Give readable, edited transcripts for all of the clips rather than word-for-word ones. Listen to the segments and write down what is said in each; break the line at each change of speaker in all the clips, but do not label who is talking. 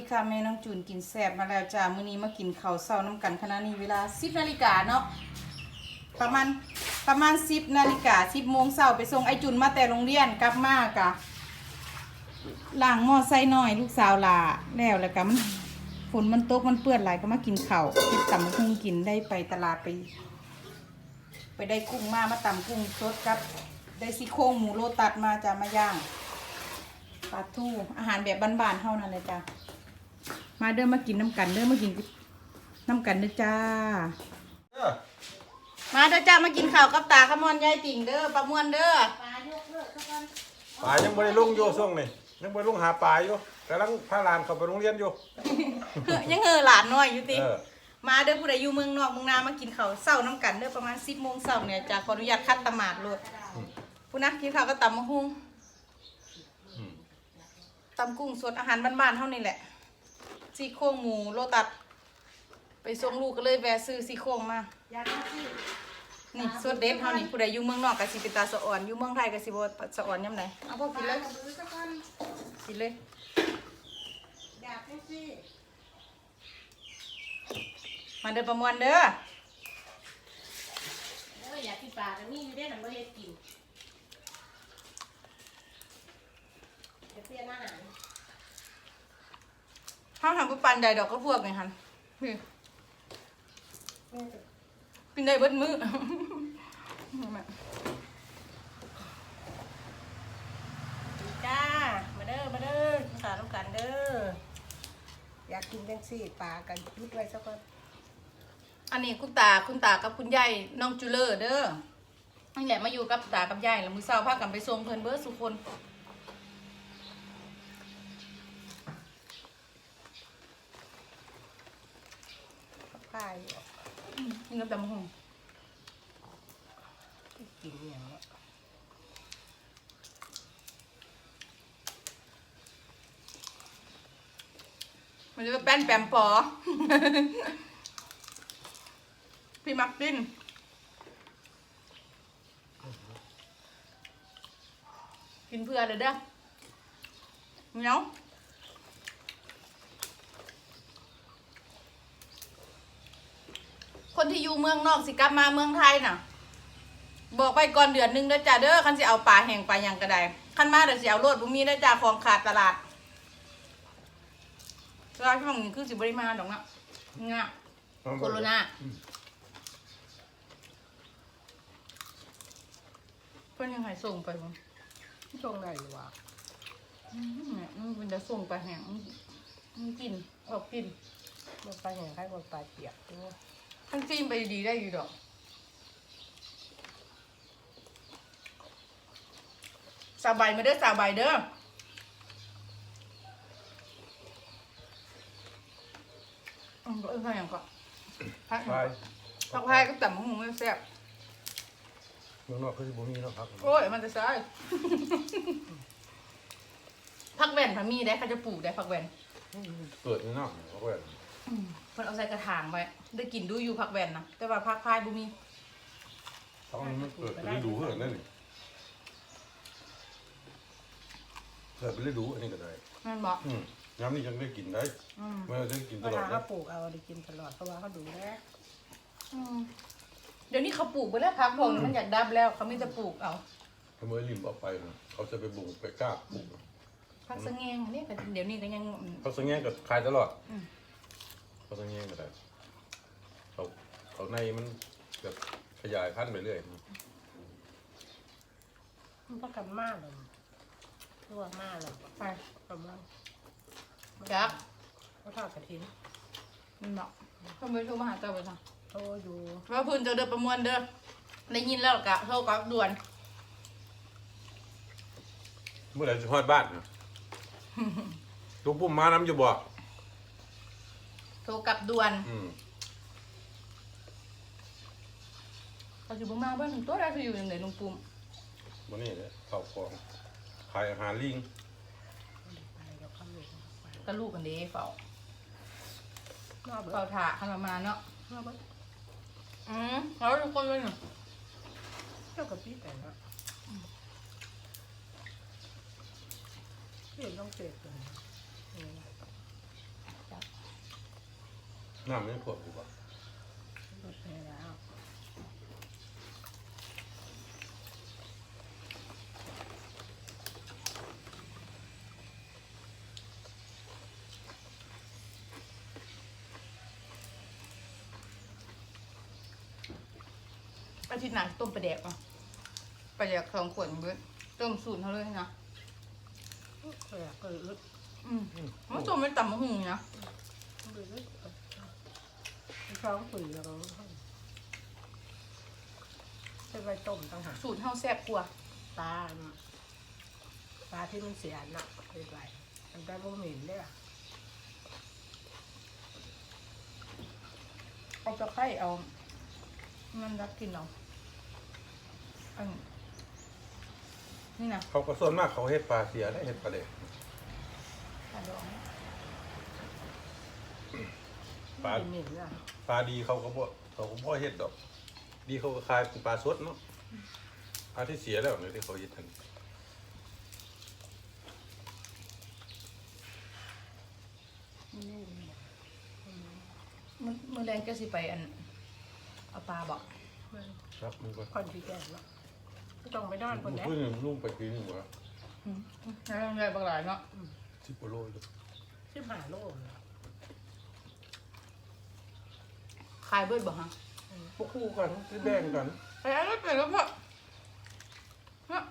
ค่ะแม่น้องจูนกินแซ่บมาแล้วจ้ามื้อนี้มากินข้าวเช้าน้ำกันขณะนี้เวลา 10 นาฬิกาเนาะประมาณ10 นาฬิกา10 โมงเช้าไปส่งไอ้จุนมาแต่โรงเรียนกลับมากะล้างหม้อไส้น้อยลูกสาวลาแล้วก็มันฝนมันตกมันเปื้อนหลายก็มากินข้าวเฮ็ดตำบักหุ่งกินได้ไปตลาดไปได้กุ้งมาตำกุ้งสดกับได้ซี่โครงหมูโลตัดมาจ้ามาย่างปลาทูอาหารแบบบ้านๆเท่านั้นเลยจ้ามาเด้อมากินน้ำกันเด้อมากินน้ำกันเด้อจ้ามาเด้อจ้ามากินข้าวกับตาขมอนยายติ่งเด้อปลาม่วนเด้อ
ปลายังไม่ได้ลงโยช่วงนี่ยังไม่ได้ลงหาปลาอยู่กำลังพาหลานเข้าไปโรงเรียนอยู่
ยังหลานน้อยอยู่ติมาเด้อผู้ใดอยู่เมืองนอกเมืองนามากินข้าวเช้าน้ำกันเด้อประมาณ10 โมงเช้าเนี่ยจ้าขออนุญาตคัดตะหมาดโลดผู้นักกินข้าวก็ตำมะฮุ่งตำกุ้งสดอาหารบ้านๆเท่านี้แหละซี่โครงหมูโลตัดไปส่งลูกก็เลยแวะซื้อซี่โครงมานี่สดเด็ดเท่านี้ผู้ใดอยู่เมืองนอกก็สิเป็นตาสะอ่อนอยู่เมืองไทยก็สิบ่สะอ่อนยามใดเอาพอกินเลยกินเลยมาเด้อประมวลเด้อ
อยากกินปลาแต่นี่ไม่ได้ทำไม่ได้กินจะเปลี่ยนอาหาร
ห้ามทำปุ๊บปันใดดอกก็พวกไงฮันกินได้เบิดมื้อ
จ้ามาเด้อมาเด้อภาษาต้องกันเด้ออยากกินจังซี่ปลากันยุดไว้สักคน
อันนี้คุณตากับคุณยายน้องจูเลอร์เด้อนี่แหละมาอยู่กับตากับยายแล้วมื้อเช้าพากันไปส่งเพิ่นเบิดสุคน
ข้าว
กินกับตำบักหุ่ง
กินอย่างนี้
มันจะเป็นแป้นแปมปอ พี่มักกินกินเพื่อเลยเด้อเหนียวคนที่อยู่เมืองนอกสิกลับมาเมืองไทยน่ะบอกไปก่อนเดือนนึงเด้อจ้าเด้อคันสิเอาปลาแห้งปลาหยังก็ได้คันมาเดี๋ยวสิเอาโลดบ่มีเด้อจ้าของขาดตลาดตลาดช่วงนี้คือสิบ่ได้มาดอกนะงะโคโรนาเพิ่นยังให้ส่งไปบ่
ช่วงไหนหรือวะ
มันเป็นจะส่งไปแห้งมันกินออกกิน
มันไปอย่างไรมันไปเปียกด้วย
ทั้งจิ้มไปดีได้อยู่ดอกสาใบมาเด้อสาใบเด้อใครอย่างก็พักไทยก็แต่มะฮุ่งไม่แซ่บ
เมืองนอกคือบ่มีเนาะครับ
โอ้ยมันจะใช่ผักแว่นพามีได้เขาจะปลูกได้ผักแว่น
เกิดในนอกเขาก็แบบ
มันเอาใส่กระถางไว้ได้กินดูอยู่ผักแว่นนะแต่ว่าผักพายบุมี
ต้องมันเกิดไปฤดูเท่านั้นนี่เกิดไปฤดูอันนี้ก็ได้
นั่นบอก
ย้ำนี่ยังได้กินได้ไม่ได้กินต
เว
ลอ
ลา
ด
เขาปลูกเอาได้กินตลอดเพราะว่าเขาดูแล
เดี๋ยวนี้เขาปลูกไปแล้วพักพวกนี้มันอยากดับแล้วเขาไม่จะปลูกเอา
ถ้าเมื่อริมออกไปเขาจะไปบุกไปกล้าปลูก
พักสะแงงเนี่ยเดี๋ยวนี้ก็ยัง
เขาสังเกตก็ขายตลอดเขาสังเกตก็ได้เขาในมันแบบขยายพันธุ์ไปเรื่อย
มันก็กำมากเลยทั่วมากเลย
ไป
กำมาก
จัก
เขาทอดกระถิ่น
มันบอกเขาไม่โทรมาหาเจ้าไปจ้ะ
โตอยู่
ว่าพื้นเจ้าเด้อประมวลเด้อได้ยินแล้วกะโทรกลับด่วน
เมื่อไหร่จะฮอดบ้านลูกปุ่มมาน้ำอยู่บ่
โทรกลับด่วน
อืม
เขาอยู่บ้านมาบ้านตัวได้เขาอยู่อย่างไหนลุงปุ่ม
วันนี้เนี่ยข้าวของขายอาหารลิง
ไปเดี๋ยวเขาอยู่
ก็ลูกกันเด้เฝ้าน
อกเบิ
เฝ้า
ด
ถ่าขนาดมาเนาะ
นอกเบิด
แล้วทุกคนเลยเนาะ
เจ้ากับพี่แต่เนาะพี่ต้องเจ็บเลย
น้ำไม่ขวดดีกว่า
หมดไปแล้ว
อาทิตย์หน้าต้มปลาแดกอ่ะปลาแดก2 ขวดเบิดต้มสูตรเขาเลยนะ
ก็อยากก็อึด
มันต้มเป็นตำมะฮุ่งนะ
อึดท้องปุ๋ยแล้วก็จะไปต้มต่างหาก
สูตรเฮาแซ่บกว่า
ปลาที่มันเสียหนักไปไปมันได้บ่เหม็นเลยอ่ะ
เอาตะไคร้เอามันรักกินเอาอันนี่นะ
เขาก็ส่วนมากเขาเฮ็ดปลาเสียได้เฮ็ดปลาเด็ก
ปลาดอง
ปลา
เหม็นอ่ะ
ปลาดีเขาก็บ่เฮ็ดดอก ดีเขาก็คายเป็นปลาสดเนาะปลาที่เสียแล้วเนี่ยที่เขาเฮ็ดทัน
มือแรงก็สิไปอันเอาปลาบอก
ครับมึงก็
คนที่แก่เนาะก็ต้องไปนอนคน
มึง
นี้
เพิ่งลุงไปกินหัว
แล้วแรงบางหลายเนาะ
10 กิโลเลย
15 โลเลย
ขายเบิดบอกฮะ
พวกคู่กันที่แบ่งกัน
ไปเอารถไปแล้วพ่อเนาะ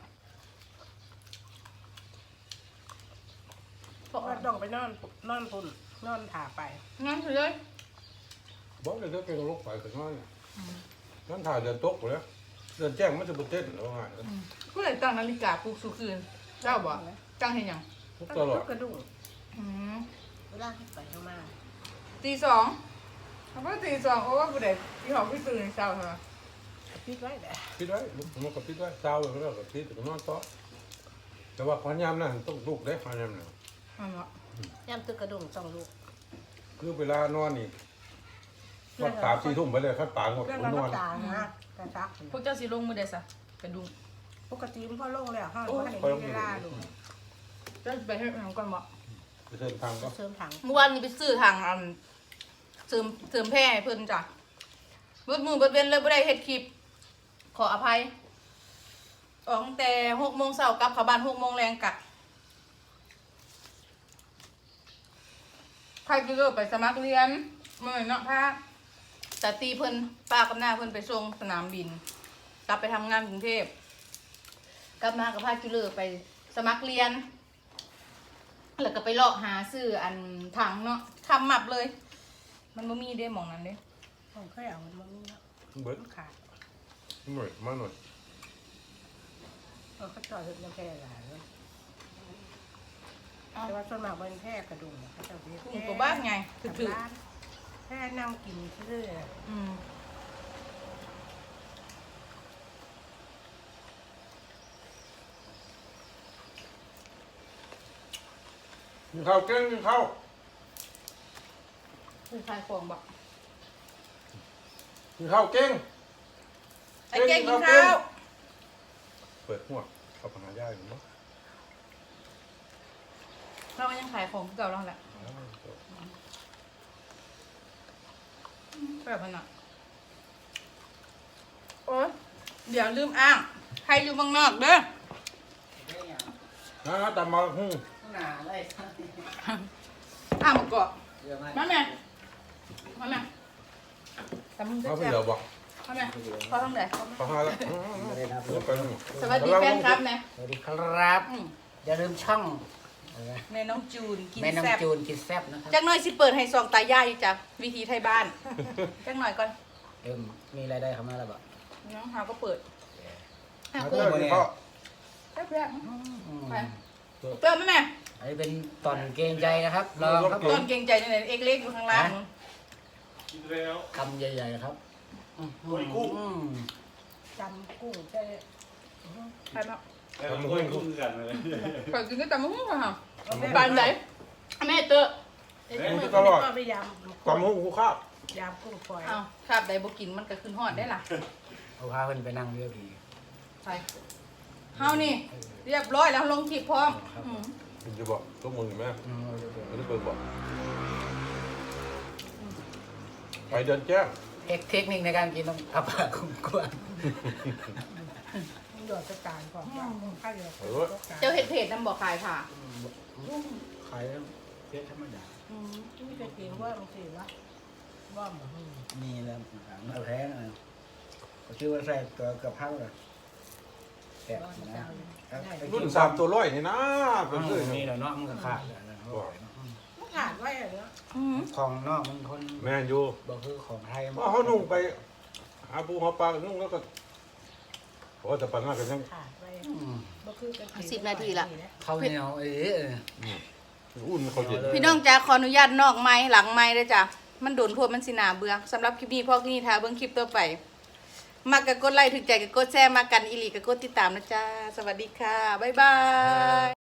เพราะว่าต้องไปนอนปุ่นนอนถ่าไป
งั้นเลย
บอกเลยถ้าเป็นโรคไฟถึงนั่นนั่นถ่ายเดินตกเลยเดินแจ้งมันจะบ่เต้นหรือว่าไง
ผู้ใดตั้งนาฬิกาปลุกสุคืนเจ้าบอกตั้งเห็นยัง
ทุก
ตั้
ต
ง
ลอด
กระดุม
อืม
เวลาที่ไปเข้ามา
ตี 2เขาบอกตี 2เพราะว่าผู้ใดที่หอพี่ตื่นเช้าใช่ไหม
ปิดไว้แหละ
ปิดไว้มันก็ปิดไว้เช้าเลยแล้วก็ปิดถึงนอนต่อแต่ว่าขอนยามนั่นต้องลุกได้ขอนยามนั่น
อันเนาะ
ย่ำตึกกระดุม2 ลูก
คือเวลานอนนี่นอน3-4 ทุ่มไปเลยขั้นปางหมด
เรื่อง
น
รั
อก น
ษานะกระซัก
พวกเจ้าสิลงมือใดซะกระดุม
ปกติมันพอลงแล้วห้องมันให้มีเวลาลูก
เจ้าสิไปให้ทางก่อนบอก
ไปเชิญทางก็
เสริมถัง
เมื่อวานนี้ไปซื้อทางเสริมแพร่ให้เพิ่นจ้ะเบิดมือเบิดเว้นเลยบ่ได้เฮ็ดคลิป ขออภัยออกตั้งแต่6 โมงเช้ากลับเข้าบ้าน6 โมงแรงกลับใครจะเลิกไปสมัครเรียนมื้อเนาะพาแต่ตีเพิ่นป้ากับหน้าเพิ่นไปส่งสนามบิน กลับไปทำงานกรุงเทพกลับมากับพาจุเลอร์ไปสมัครเรียน แล้วก็ไปเลาะหาซื้ออันถังเนาะคำมับเลย มันบ่มีเด้หมองนั้นเด้
ผมเคยเอามันมานี่เนาะ
เบิด
มันขาด
หน่อยมาหน่อย
เขาจอดรถน้ำแพร่หลายเลยแต่ว่าส่วนมากเป็นแพร่กระดุมเขาจะเรียก
กุ้งตัวบ้านไงถือ
แพร่นั่งกินเรื่อย
ๆอืม
กินข้าวเก่งกินข้าว
คือขายของบอก
กินข้าวเก่ง
ไอ้เก่งกินข้าว
เปิดหัวเข้าไปหาย่าอยู่เนาะ
เราก็ยังขายของเก่าเราแหละแบบนั้นอ่ะโอ๊ยเดี๋ยวลืมอ้าง ใครอยู่เมืองนอกเด้อ
นะตามมาหุ้ง
หนาเลย
อ้างมาเกาะ
เยอะมาก
มาแม่มาแม่แต่มึงจะ
มาไป
แซ่บ
เดี๋ยวบอก
มาแม่พอทำไหน
เขาหาแล้ว
เลยครับ
เดี๋ยวไปหนึ่ง
สวัสดีแฟนครับนะ
สวัสดีครับ อย่าลืมช่อง
แม่น้องจูนกิน
แม่น้อง
แซ่บ
จูนกินแซ่บนะครับ
จักหน่อยสิเปิดให้ซองตายายจ้ะวิธีไทยบ้าน จักหน่อยก่อน
มีรายได้เข้ามาแล้วบ่
น้องหาก็เปิดหา
มา
เปิ
เด้
ด
อกินข้าว
แซ่บไปเติมไหมแม่
อันนี้เป็นตอนเกรงใจนะครับลองครับผ
ต้
ม
นเก่งใจนี่ไหนเอกเล็กอยู่ข้างล่าง
คำใหญ่ๆนะครับ
ๆจำกุ้งจะ
ไปมา
แต่มันก็คู่กันเลย
เปิดกินก็แต่มะม่วงค่ะปานไหนแม่เตอะ
ไปย
ตามหุ้งกูข้าว
ำยำกุ้งฝอย
อ้าวคาบใดบ่กินมันก็ขึ้นฮอดได้ล่ะ
เอาพาเพิ่นไปนั่งเรือผี
ไปเฮานี่ เรียบร้อยแล้วลงคลิปพร้อมอืม
คุณจะบอกทุกมึงไหมไม่ได้เปิดบอกไปเดินแจ้ง
เทคนิคในการกินต้องเอาปากคุ้มกวน
มันโดดจะกลางก่อนข้าวเดียว
เจ้าเห็ดเพจน้ำบ่อขายค่ะ
ขายเพี้ยธรรมดา
นี่จะกินว่ามันสิวะว่ามัน
มีแล้วมาแพ้นะก็ชื่อว่าใส่ตัวกับข้าวเลยแกะนะ
รุ่น3ตัวร้อยนี่นะเป็นเลย
นี่แหละเนาะมันก็ขาดแล้วนะ
มันขาดไว้อย่างเงี้ย
ของนอกมันคน
แม่นอยู่
บอกคือของไทย
ว่าเขานุ่งไปหาปูหาปลานุ่งแล้วก็โอ้แต่ปัญหากันยัง
ขาดไว้บ่คือกัน
10 นาทีละ
ข้าวเหนียว
อุ่นเขาเย็น
พี่น้องจ๋าขออนุญาตนอกไม้หลังไม้ด้วยจ้ะมันโดนพวกมันสินาเบื่อสำหรับคลิปนี้พ่อที่นี่ทาเบิ่งคลิปต่อไปมักก็กดไลค์ถึงใจก็กดแชร์มากันอีหลีก็กดติดตามนะจ้าสวัสดีค่ะบ๊ายบาย